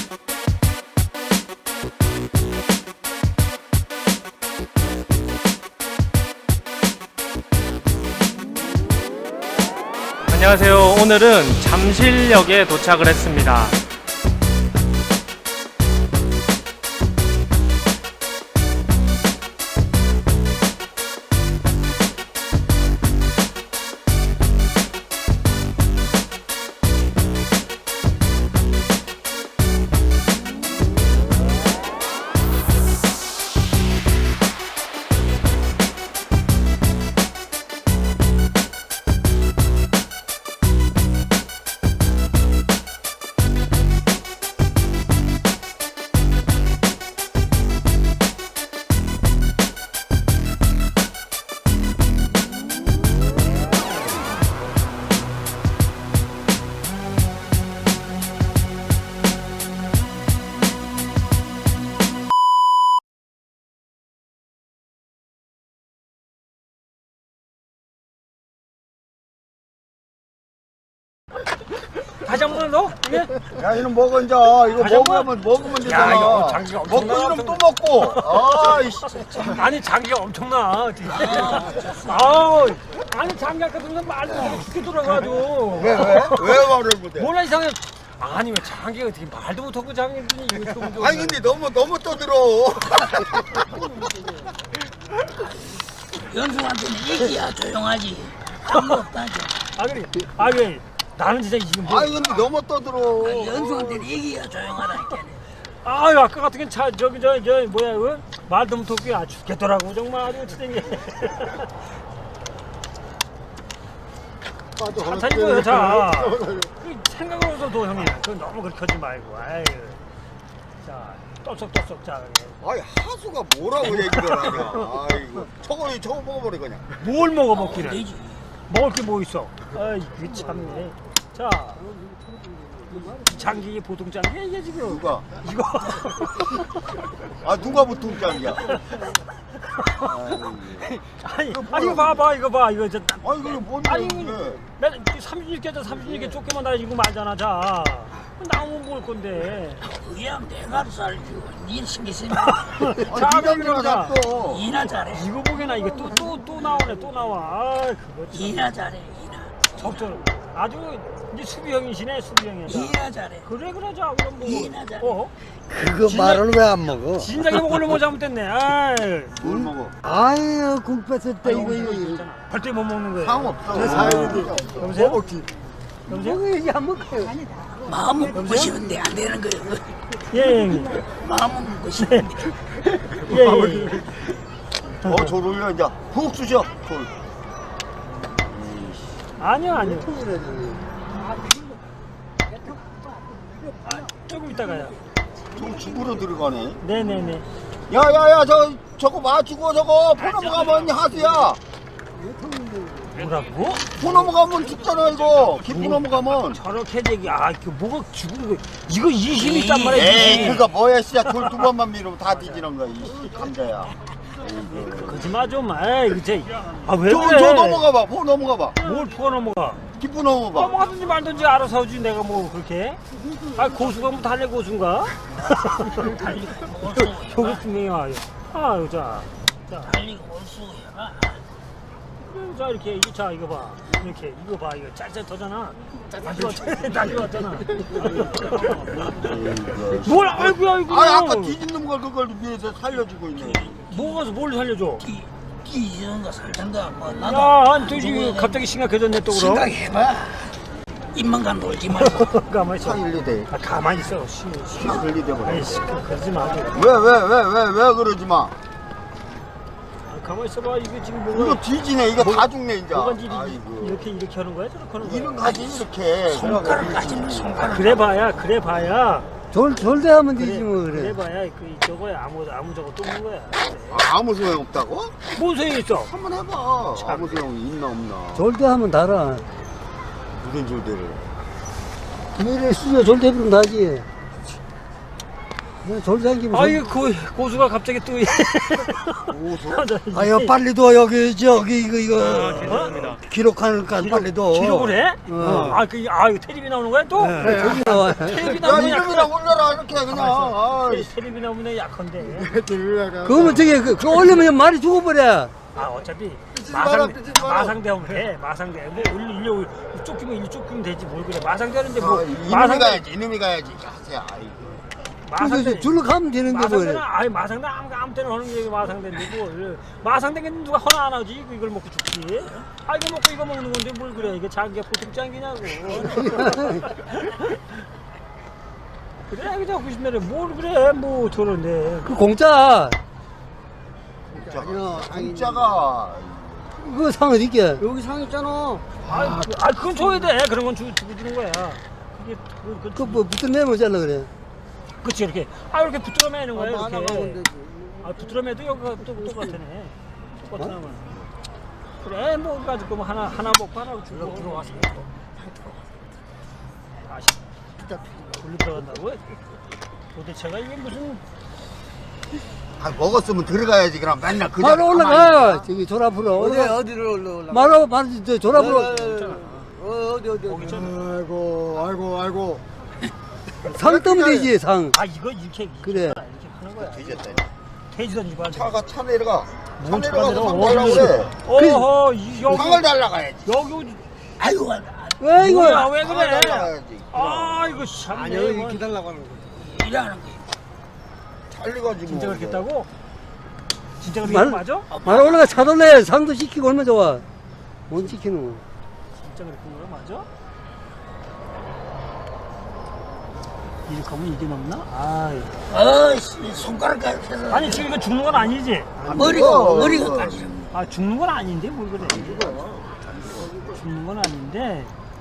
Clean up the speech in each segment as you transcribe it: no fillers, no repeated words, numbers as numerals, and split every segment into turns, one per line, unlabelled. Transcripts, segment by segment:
안녕하세요. 오늘은 잠실역에 도착을 했습니다.
다시 한 번 더? 이게?
야, 이놈 먹어, 이제. 이거 먹으면 되잖아.
야, 이거 장기가
먹고
엄청나.
이놈 또 먹고. 아이씨.
아니, 장기가 엄청나. 아우, 아니, 장기 아까 무슨 말도 어떻게 돌아가지고.
왜 말을 못해?
몰라, 이상해. 아니, 왜 장기가 어떻게 말도 못하고 장기더니 이거 좀.
아니, 근데 너무 떠들어.
연수한테는 얘기야 조용하지. 아무 없다지.
그래. 나는 진짜 지금 뭐.
아니, 근데 너무 떠들어.
연수한테는 얘기야 조용하라니까.
아유, 아까 같은 게 저기, 뭐야, 그? 말도 못하고 아 죽겠더라고, 정말 아주 진짜. 천천히 보여, 자. 그 생각으로서도 형님, 그 너무 그렇게 하지 말고, 아유. 자, 떠썩떠썩 자.
아이, 하수가 뭐라고 얘기를 하냐. 아이고. 저거 먹어버려, 그냥.
뭘 먹어 먹기를?
되지.
먹을 게 뭐 있어? 아이, 그 참네. 자, 장기 보통 장기야 이게 지금.
누가?
이거.
아, 누가 보통장이야?
아니, 이거 봐봐, 이거 봐, 이거 저.
아니, 그게 뭔데?
아니, 나 36개 쫓기만 다니고 말잖아, 자. 나오면 뭘 건데.
그냥 내가 살고 니 신경 쓰면
자,
니가
자.
또.
이나 잘해.
이거 보게나 이거 또 나오네, 또 나와. 아, 그거 참.
이나 잘해. 이나.
적절. 아주 이제 수비형이시네, 수비형이야.
이나 잘해.
그래, 자, 그럼 뭐.
이나잖아.
그거 말을 왜 안 먹어?
진작에 먹으려면 뭐 잘못됐네. 아이.
뭘 먹어?
아유 국 뺐을 때 이거
절대 못 먹는 거예요.
상관없어.
여보세요?
먹었지.
여보세요?
먹어야지 안 먹어요.
마음은 먹고 싶은데 안 되는 거예요.
예, 형님.
마음은 먹고 싶은데.
예.
졸 올려, 이제. 푹 쑤셔. 졸.
아니요. 조금 이따가요.
좀 죽으러 들어가네.
네네네.
야야야, 저거 맞추고 저거 포 넘어가면 하수야.
뭐라고?
포 넘어가면 죽잖아 이거. 기포 넘어가면.
저렇게 얘기, 그 뭐가 죽은 거. 이거 20 있단 말이야.
에이,
20.
그거 뭐야, 씨야. 돌 두 번만 밀으면 다 뒤지는 거야, 이 감자야.
거짓말 좀, 에이, 그치. 왜
저
그래?
넘어가봐, 포 넘어가봐.
뭘 포가 넘어가?
기포 넘어봐.
넘어가든지 말든지 알아서 하지, 내가 뭐 그렇게. 고수가 뭐 달래 고수인가? 저거 분명히 와요. 아유, 자.
달리고 올수야.
자, 이렇게, 자, 이거 봐. 이렇게, 이거 봐. 이거 짤짤하잖아. 다시 왔잖아. 뭘, 아이고.
아니, 아까 뒤집는 걸 그걸 위해서 살려주고 있네.
뭘 살려줘?
뒤지는 거 살던가 뭐 나도.
야, 아니, 저기 갑자기 심각해졌네, 또 그럼.
생각해봐. 입만간 놀지 말고.
가만히 있어.
상일리대.
가만히 있어.
상일리대 버려.
아이씨, 그러지 마.
왜 그러지 마.
가만히 있어봐. 이거 지금
이거
뭐가.
뒤지네. 이거 다 죽네 이제.
뭐가 일이
아이고.
이렇게 하는 거야? 저렇게 하는 거야?
이런 가지 이렇게.
손가락까지는 손가락.
그래 봐야.
졸대하면 되지 뭐 그래.
그래 봐야 저거야 아무 저거 뚫는 거야.
아무 소용 없다고?
뭔 소용이 있어?
한번 해봐. 아무 소용이 있나 없나.
졸대하면 달아.
무슨 졸대를.
미래 수저 졸대부르면 다지. 그냥 졸다니면.
아이 그 고수가 갑자기 또
아유 빨리 둬 여기 저기 이거
괜찮습니다.
기록하니까 빨리 둬.
기록을 해?
어.
이거 텔레비 나오는 거야 또?
네, 저기 나와.
텔레비
야
나오면
이름이나 올려라 이렇게 그냥. 아,
텔레비 나오면 약한데.
그거면 저기 그거 올리면 말이 죽어버려.
어차피
마라, 삐지지 마라.
마상대하면 돼. 마상대. 뭐 일로 쫓기면 일로 쫓기면 되지 뭘 그래. 마상대하는데 뭐
이놈이
마상대
가야지 이놈이 가야지. 야, 아이고.
마상대
줄로 가면 되는데
마상대는
뭐.
마상대 아무 때나 하는 게 마상대인데 뭘 마상대는 누가 허나 안 하지 이걸 먹고 죽지. 이거 먹고 이거 먹는 건데 뭘 그래. 이게 자기가 보통 짱기냐고. 그래 그냥 90년에 뭘 그래 뭐 저런데.
그 공짜.
공짜가
그거 상 어디 있게?
여기 상 있잖아.
그건 줘야 돼. 그런 건 주고 주는 거야. 그게
그뭐 붙어 내면 잘라 그래.
그치 이렇게 이렇게 붙들어 매는 거야
하나 먹으면
이렇게.
되지.
붙들어 매도 여기가 똑같네. 똑같은 하면. 그래 뭐 가지고 뭐 하나 먹고 하나 주고 들어와서. 다시 돌려 들어간다고? 도대체가 이게 무슨
먹었으면 들어가야지 그럼 맨날 그냥
바로 올라가. 저기 졸 앞으로.
어디를 올라?
바로 저졸 앞으로.
어디.
거기 전에.
아이고
상 뜨면 되지 상.
이거 이렇게
그래.
이렇게 하는 거야.
뒤졌다.
돼지 던지고 하지.
차 내려가. 차
뭔 차가
내려가서 상
내려가?
달라고 그래.
어허 여기
상을 달라가야지.
여기
아이고
왜 이거?
뭐야 왜
상을
그래?
달라가야지.
이거 참.
아니 여기 이렇게 달라고 하는 거지.
일하는 게
잘려가지고.
진짜 그렇게 했다고? 진짜 그렇게
말-
했 맞아?
말 올라가 차돌래 상도 시키고 얼마나 좋아. 못 시키는 거.
진짜 그렇게 한 거야 맞아? 이렇게 하면 이게 넘나?
어이씨 손가락까지 해서
아니 지금 이거 죽는 건 아니지?
머리가 까지는
죽는 건 아닌데 뭘 그래? 죽는 건 아닌데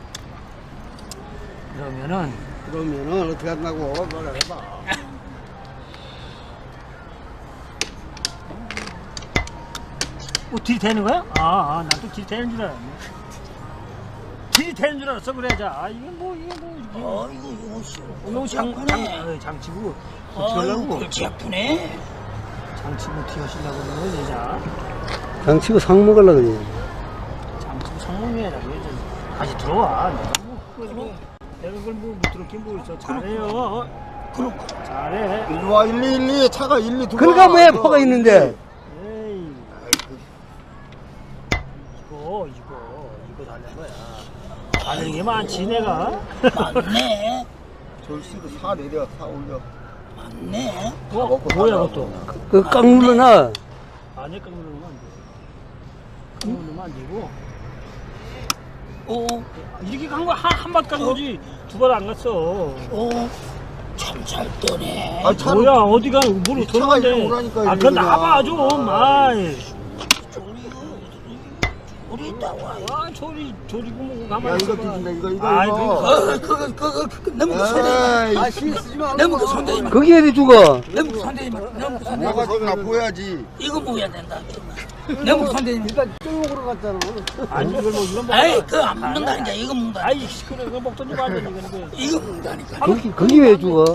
그러면은
어떻게 한다고 뭐라 해봐.
딜이 되는 거야? 난 또 딜이 되는 줄 알았네. 딜이 되는 줄 알았어 그래 자 이게 뭐 이게
이거
너무 장치고 어떻게 하려고
그렇지 아프네.
장치고 어떻게 하시려고 그러는 거지 자
상 치고 상 먹으려고 그래.
장치고 상봉이라고 해야지 다시 들어와 내가 그걸 뭐 못 들었긴 뭐 있어 잘해요 잘해
일로 와 112 차가 112 두
그러니까 왜 포가 있는데?
에이 이거 달는 거야 다른 게 많지 내가
맞네.
절씨도 사 내려 사 올려.
맞네.
뭐야 그것도
그 깡 눌러놔.
안에 깡 누르면 안 돼. 깡 누르면 안 되고 이렇게 간 거 한 번 간 거지 두 번 안 갔어
참 잘 떠네.
차
뭐야 어디가 뭘
이 차가
어떻게
이리로 오라니까,
그건
이리로
나봐
그냥.
좀 아이
우리 있다고.
조리고 뭐고
야
가만히
이거
있어봐
뒤진다 이거
아이
이거.
너무 손대지
에이
쓰지 마.
너무 손대지 마.
거기 어디 죽어?
너무 손대지 마. 너무 손대지 마.
내가 저기나 보여야지.
이거 먹어야 된다. 너무 손대지 마.
일단 쪽으로 갔잖아.
아니 이걸 뭐 이건 먹어
아이 그거 안 먹는다니까. 이거 먹는다.
아이 시끄러 이거 먹던지 말던지 이거는
이거 먹는다니까.
거기 왜 죽어?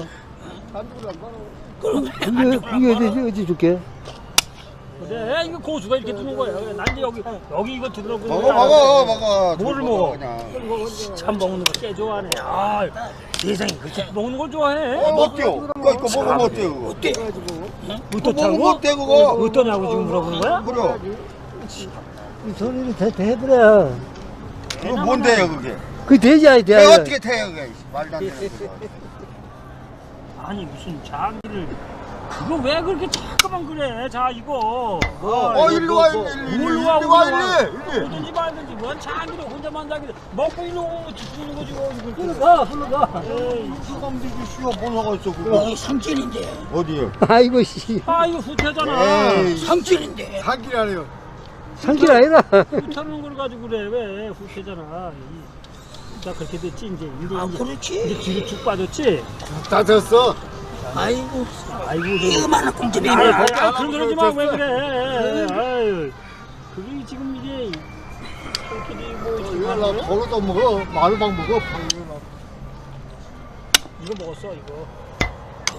그럼
거기 어디 줄게?
그래 이거 고수가 이렇게 두는 거야 난 이제 여기 이거 두더라고
먹어.
뭐를
저기
먹어?
그냥.
참 먹는 거 꽤 좋아하네 세상에 그렇게 먹는 걸 좋아해
어때요? 그거 먹으면 어때요 그거?
어때?
그거 먹으면
어떻다고?
어때 그거?
어떠냐고 지금 물어보는 거야?
그래.
이 소리를 대버려.
그거 뭔데요 그게?
그 돼지야 돼.
내가 어떻게 태요 그게? 말도 안 되는 거.
아니 무슨 장기를 그거 왜 그렇게 자꾸만 그래 자 이거
일로 와 112 112
오든지 말든지 뭔 장기를 혼자만 장기를 먹고 일로 오면 죽는 거지 뭐 흘러가 에이
수감되기 쉬워 뭐가 있어 그거?
여기 상진인데.
어디요?
아이고 씨.
이거 후퇴잖아
에이
상진인데.
한끼라네요.
상길 아니라.
후퇴하는 걸 가지고 그래 왜 후퇴잖아 나 그렇게 됐지 이제
그렇지.
뒤로 쭉 빠졌지
다 됐어.
아이고
아이고
이거만한 꽁집이
그런 소리 하지 마 왜 그래 아유 그게 지금 이게
이거 나 걸어도 먹어. 마루방 먹어.
이거 먹었어 이거
그거?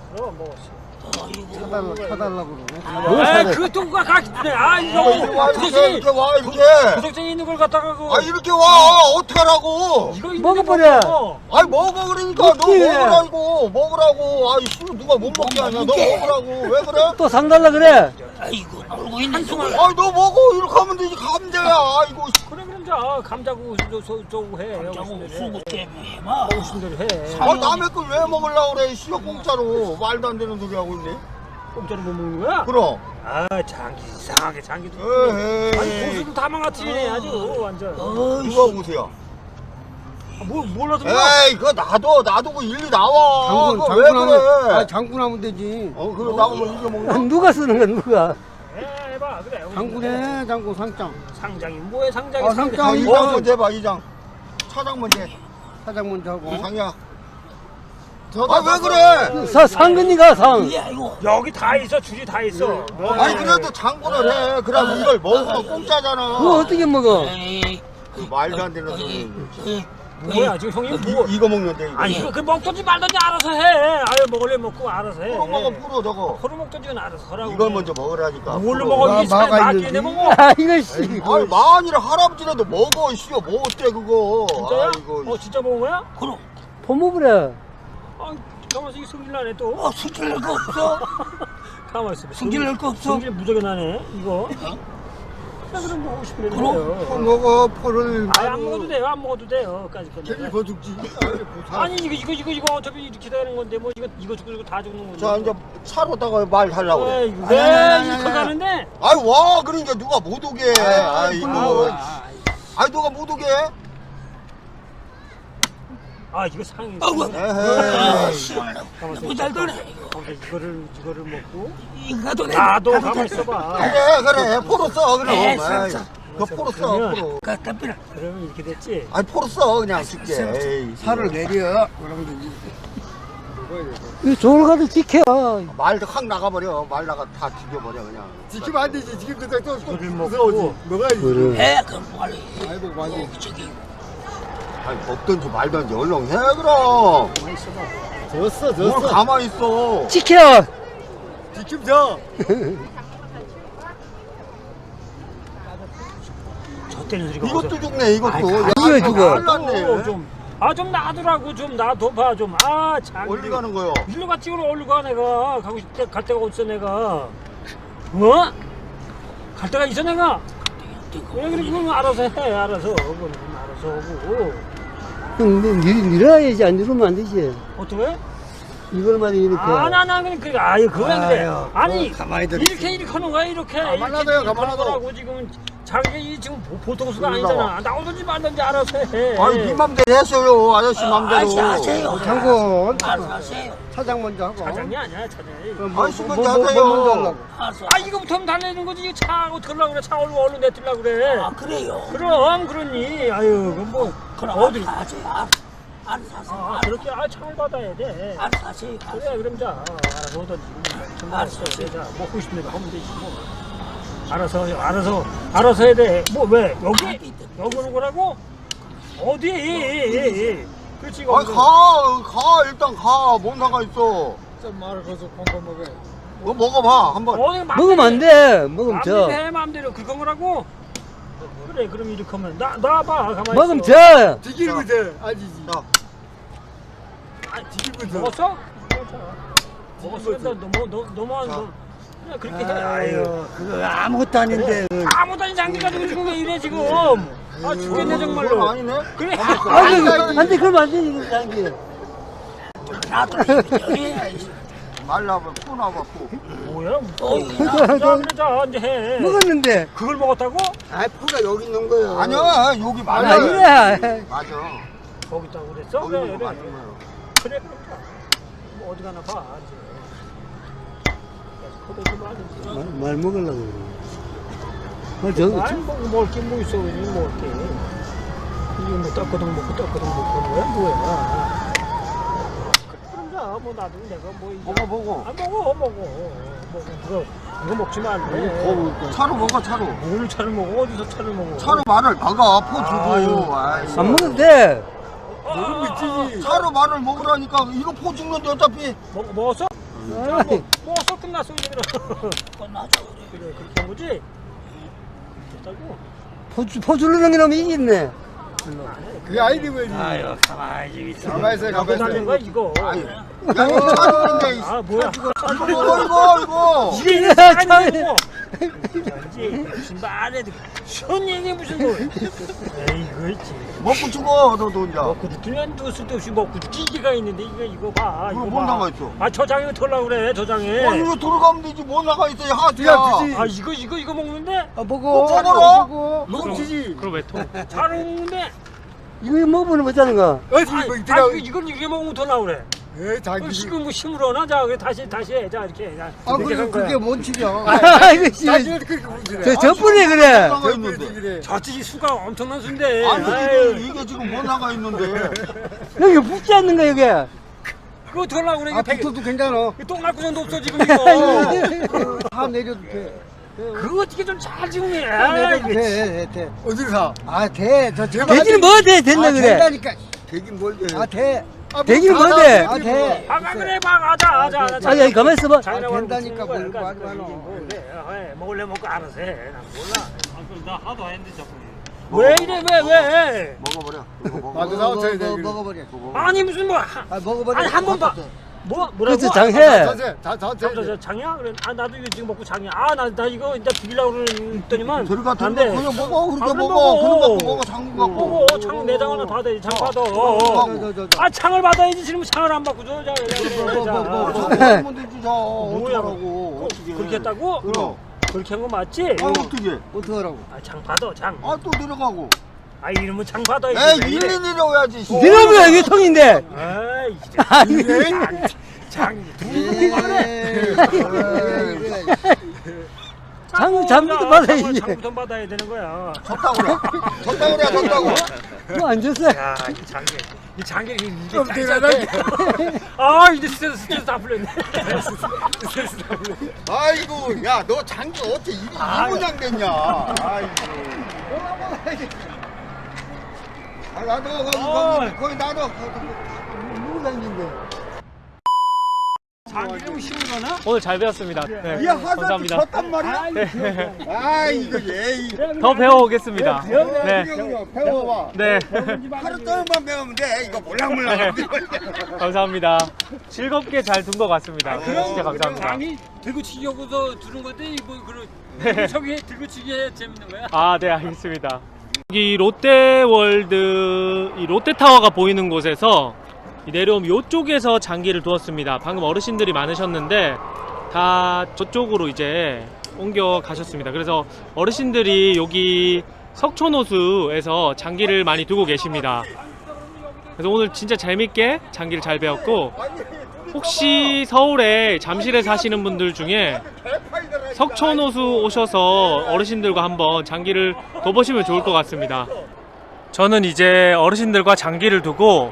그럼 먹었어.
사달라고 그러네.
아, 그것도 누가 가르치네. 아, 이거
이렇게 와 이렇게.
도덕증이 있는 걸 갖다가 그
아 이렇게 와 어떡하라고.
이거 있는데
먹어버려.
먹어.
아니 먹어 그러니까 너
먹지.
먹으라고. 아이 씨 누가 못 먹게 하냐. 너 먹으라고. 왜 그래?
또 상달라 그래.
아이고 놀고 있는
한숨을
아니 너 먹어 이렇게 하면 되지 감자야. 아이고.
그래 그럼 자 감자고 저거 해.
자고
먹고
수고 때문에 막
싶은 대로 해.
아 남의 걸 왜 먹으려고 그래. 씨가 공짜로 말도 안 되는 소리 하고 있네.
공짜로 못 먹는 거야?
그럼.
아 장기 이상하게 장기도.
에헤이.
아니 고수도 다 망가뜨리네 아주 완전.
누가 보세요.
몰라서
에이 그거 놔둬 그 일리 나와. 그거 왜 그래.
아, 장군 하면 되지.
그거 나오면 이거 먹나?
누가 쓰는 거야 누가?
해봐 그래.
장군에 장군 상장.
상장이 뭐해 상장이
아, 상장.
아, 이장 먼저 해봐 이장. 차장 먼저 해.
사장 먼저 하고.
이장이야. 아 왜 그래?
상근이가 상.
야 이거
여기 다 있어 줄이 다 있어.
아니 그래도 장군을 해. 그럼 이걸 먹으면 공짜잖아.
그거 어떻게 먹어?
에이
그 말도 안 되는 소리.
뭐야 지금 형님 뭐?
이거 먹는데 이거.
아니 그 먹든지 말든지 알아서 해. 아유 먹을래 먹고 알아서 해.
프로 먹어 프로 저거.
서로 먹든지 알아서 하라고.
이걸 먼저 먹으라니까.
뭘로
프로.
먹어? 이게
마가
막기네
있는지.
먹어.
아 이거 씨.
아니 만일 할아버지라도 먹어 씨요 뭐 어때 그거.
진짜야?
아이고.
진짜 먹은 거야?
그럼
포먹으래.
아 가만있어 이게 성질 나네 또.
승질 낼 거 없어
가만있어.
승질 낼 거 없어
성질 무지하게 나네 이거. 그래 그럼 먹고 싶으면
포
돼요.
먹어 포를.
안 먹어도 돼요. 안 먹어도 돼요. 까지
괜히 더 죽지.
아니 이거 어차피 이렇게 되는 건데 뭐 이거 죽고 다 죽는 건데.
자 이제 차로다가 말 하려고 그래.
왜 이렇게 가는데?
아이 와 그러니까 누가 못 오게. 아이고. 아이 누가 못 오게.
아 이거 상이.
에헤이.
너무 잘 되네
이거를 먹고
이거도 내
나도 가만 있어봐.
그래 포로 써 그럼.
네,
에이, 그 포로 써
그러면-
포로.
깎아삐라
그러면 이렇게 됐지.
아니 포로 써 그냥 쉽게. 에이,
살을 내려. 그러면 되지.
이거 저걸 가도 지켜.
말도 확 나가버려. 말 나가 다 죽여버려 그냥.
지키면 안 되지. 지금 또
이거를
무서워지.
먹고
먹어야지.
그래.
해 그럼 빨리
아이고 많이.
저기
아니 먹든지 말든지 얼른 해 그럼.
가만 있어봐.
졌어
뭘
졌어.
가만히 있어.
지켜.
지금 져.
저 때는 소리가
이것도 죽네 이것도.
이거 죽어.
잘났네.
좀 놔두라고 좀 놔둬봐 좀. 아 참.
어디 가는 거요?
일로 갔지 그럼 어디로 가 내가 가고 싶대 갈 데가 어딨어 내가. 뭐? 갈 데가 있어 내가. 왜 그래 그건 알아서 해 알아서 그건 알아서 하고.
형 밀어야지 안 밀으면 안 되지.
어떻게?
이걸만 이렇게.
나 그냥 그래 아유 그래 그래.
아유,
아니
가만히 들어.
이렇게 하는 거야 이렇게.
가만 놔둬요, 가만 놔둬.
거라고 지금 자기 지금 보통 수가 아니잖아. 나오든지 말든지 알아서 해.
아니 네 맘대로 했어요 아저씨 맘대로.
하세요
장군.
알아서 하세요
사장 먼저 하고.
사장이 아니야 사장이.
아저씨
뭐
먼저
먼저
하세요.
하려고.
알아서
아 이거부터 달래는 거지. 이거 차 어떻게 하려고 그래. 차 얼른 내뜨려고 그래.
아 그래요
그럼 그러니 아유 그럼 뭐
그럼
어디
알아서 하세요 알아서 하세요
아 그렇게 차를 받아야 돼.
알아서 하세요
그래 그럼 자 알아서 오든지
알았어.
자 먹고 싶은 대로 하면 되지 뭐. 알아서 해야 돼. 뭐 왜 여기 오는 거라고? 어디? 그렇지 이거.
아니 가 일단 가. 뭔 상관 있어.
좀 말을 거서 콩콩 먹어.
뭐 먹어봐 한번.
어디
먹으면 안 돼. 먹으면
맘대로
져.
해 맘대로 그건 거라고. 그래 그럼 이렇게 하면 놔봐 가만히
먹으면
있어.
져.
지키고 있어. 아니지.
자,
지키고 있어.
먹었어? 먹었어. 너무 그냥 그렇게 해. 아유.
그거 아무것도 아닌데.
아무도 아닌 장비 가지고 지금 왜 이래 지금? 아 죽겠네
그건
정말로.
아니네.
그래.
안 돼, 그러면 안 돼, 이거 장기.
나도 저기
말라봐 푸 나봐 푸.
뭐야?
또
자 그래 자 이제 해.
먹었는데.
그걸 먹었다고?
아, 포가 여기 있는 거예요.
아니야 여기 맞아.
아니야.
맞아.
거기 있다고 그랬어?
거기
그래
있는 거
그래.
맞는 거야.
그래 그럼 자. 뭐 어디 가나 봐 이제. 그래 좀 하든지.
말 먹으려고 그래.
말 먹을 게 뭐 있어 그냥 먹을 게. 이게 뭐 떡거동 먹고 떡거동 먹고 뭐야? 그럼 자 뭐 나도 내가 뭐 이제.
먹어.
아 먹어. 이거 먹지 말래.
차로 먹어 차로.
뭘 차를 먹어? 어디서 차를 먹어?
차로 말을 박아 포 주고. 아이고.
안 먹어도 돼.
먹으면 있지.
차로 말을 먹으라니까 이거 포 죽는데 어차피.
먹었어? 먹었어 끝났어 이제 그럼.
끝나죠.
그래 그렇게 한 거지. 됐다고.
포주 누르는 놈이 이겼네.
그게 아이디 뭐지?
아유 가만히 좀 있어.
가만히 있어,
갖고
가만히
다니는
있어.
거야 이거.
야 이거 차는데
아 뭐야?
이거
이게 아니고. 전지 무슨 말해? 쉬운 얘기 무슨 뭐? 에이 있지.
먹고 죽어 너도 혼자.
먹고 두면 또 쓸데없이 먹고 기계가 있는데 이거 봐.
그럼
이거
못
봐.
나가 있어.
아 저장에 털라고 그래 저장에.
아니 왜 돌아가면 되지 못 나가 있어 하트야.
야, 그지.
아 이거 먹는데
아, 먹어.
먹어라.
먹어. 먹지지.
그럼 왜 토?
잘 먹는데.
이거 먹으면 못하는 거.
어디
아,
뭐 이때가.
이건 이게 먹으면 더 나오래.
에 자기.
지금 뭐 힘으로나 자 다시 해. 자 이렇게. 자,
아
이렇게
그래
한 거야.
그게 뭔 질이야.
아이고 씨.
자기는 그렇게 문제래.
저 저뿐에 그래.
나가 있는데.
그래.
저찌 수가 엄청난 수인데.
아니
아유,
이게 지금 못 나가 있는데.
여기 붙지 않는 거 여기.
그거 더 나오래.
아 붙어도 괜찮아.
똥날 구멍도 없어 지금 이거.
다 내려도 돼.
그거 어떻게 좀 잘 지금 해.
다 내려도 돼. 어디로 사? 아 돼. 저 제발.
되기는 뭐 돼? 된다 그래.
된다니까.
되긴 뭘 돼.
아 돼.
되기는 뭐 돼?
아 돼.
아 그래 봐 가자.
아니 여기 가만 있어봐.
된다니까 뭘 말도 안 해.
그래. 먹을래 먹고 알아서 해. 난 몰라. 나 하도 안 했는데 자꾸. 왜 이래 왜?
먹어버려. 이거 먹어.
맞아 나와줘야 돼.
먹어버려.
아니 무슨 뭐
아 먹어버려.
아니 한 번 봐. 뭐라고?
그렇지 장해.
다
장이야? 그래. 아 나도 이거 지금 먹고 장이야. 나 이거 이제 비빌라고 그러더니만
저리 가
안
들어가
돼.
그냥 먹어 그렇게
아, 그럼
먹어.
먹어.
그런 갖고 먹어 장군 갖고.
먹어. 장 내장 하나 받아야 돼. 장 받아. 아 창을 받아야지. 지금 창을 안 받고 줘. 자.
장군 되지 자.
뭐야?
어떡하라고.
그렇게 했다고?
그럼.
그렇게 한 거 맞지?
아 어떻게?
어떡하라고?
장 받아. 장.
아 또 내려가고.
이러면 장 받아야지.
에이
왜 이래?
일리 내려야지.
니놈이야 이게 통인데.
아이 진짜. 장이 두고 그래.
장부터 받아야지.
장부터 받아야 되는 거야.
졌다고 그래. 졌다고 그래 졌다고.
뭐안 줬어.
야, 이 장기 이게 아, 이제 스트레스 다 풀렸네. 스트레스 다 풀렸네.
아이고 야 너 장기 어떻게 이 모양 됐냐. 아이고. 아 나도 거기 나도.
누구 다니는데?
장기를 심으거나?
오늘 잘 배웠습니다. 네,
이 하자도
감사합니다.
졌단 말이야. 아 이거 얘.
더 배워오겠습니다. 네,
배워봐.
네,
하루 동안만 배우면 돼. 이거 몰랑몰랑.
감사합니다. 즐겁게 잘 둔 것 같습니다. 진짜 감사합니다.
장이 들고 치기 하고서 두는 건데 뭐 그런 저기 들고 치기 해 재밌는 거야?
아, 네, 알겠습니다. 여기 롯데월드 이 롯데타워가 보이는 곳에서 내려오면 이쪽에서 장기를 두었습니다. 방금 어르신들이 많으셨는데 다 저쪽으로 이제 옮겨 가셨습니다. 그래서 어르신들이 여기 석촌호수에서 장기를 많이 두고 계십니다. 그래서 오늘 진짜 재밌게 장기를 잘 배웠고, 혹시 서울에 잠실에 사시는 분들 중에 석촌호수 오셔서 어르신들과 한번 장기를 둬보시면 좋을 것 같습니다. 저는 이제 어르신들과 장기를 두고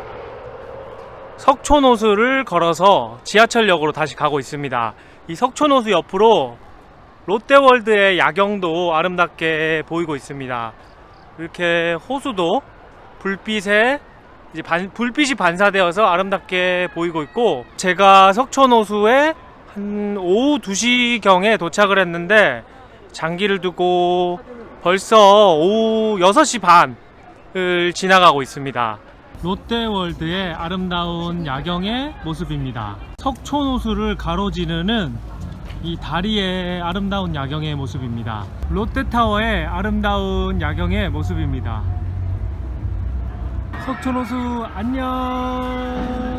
석촌호수를 걸어서 지하철역으로 다시 가고 있습니다. 이 석촌호수 옆으로 롯데월드의 야경도 아름답게 보이고 있습니다. 이렇게 호수도 불빛에 이제 불빛이 반사되어서 아름답게 보이고 있고, 제가 석촌호수에 한 오후 2시경에 도착을 했는데 장기를 두고 벌써 오후 6시 반을 지나가고 있습니다. 롯데월드의 아름다운 야경의 모습입니다. 석촌호수를 가로지르는 이 다리의 아름다운 야경의 모습입니다. 롯데타워의 아름다운 야경의 모습입니다. 석촌호수 안녕.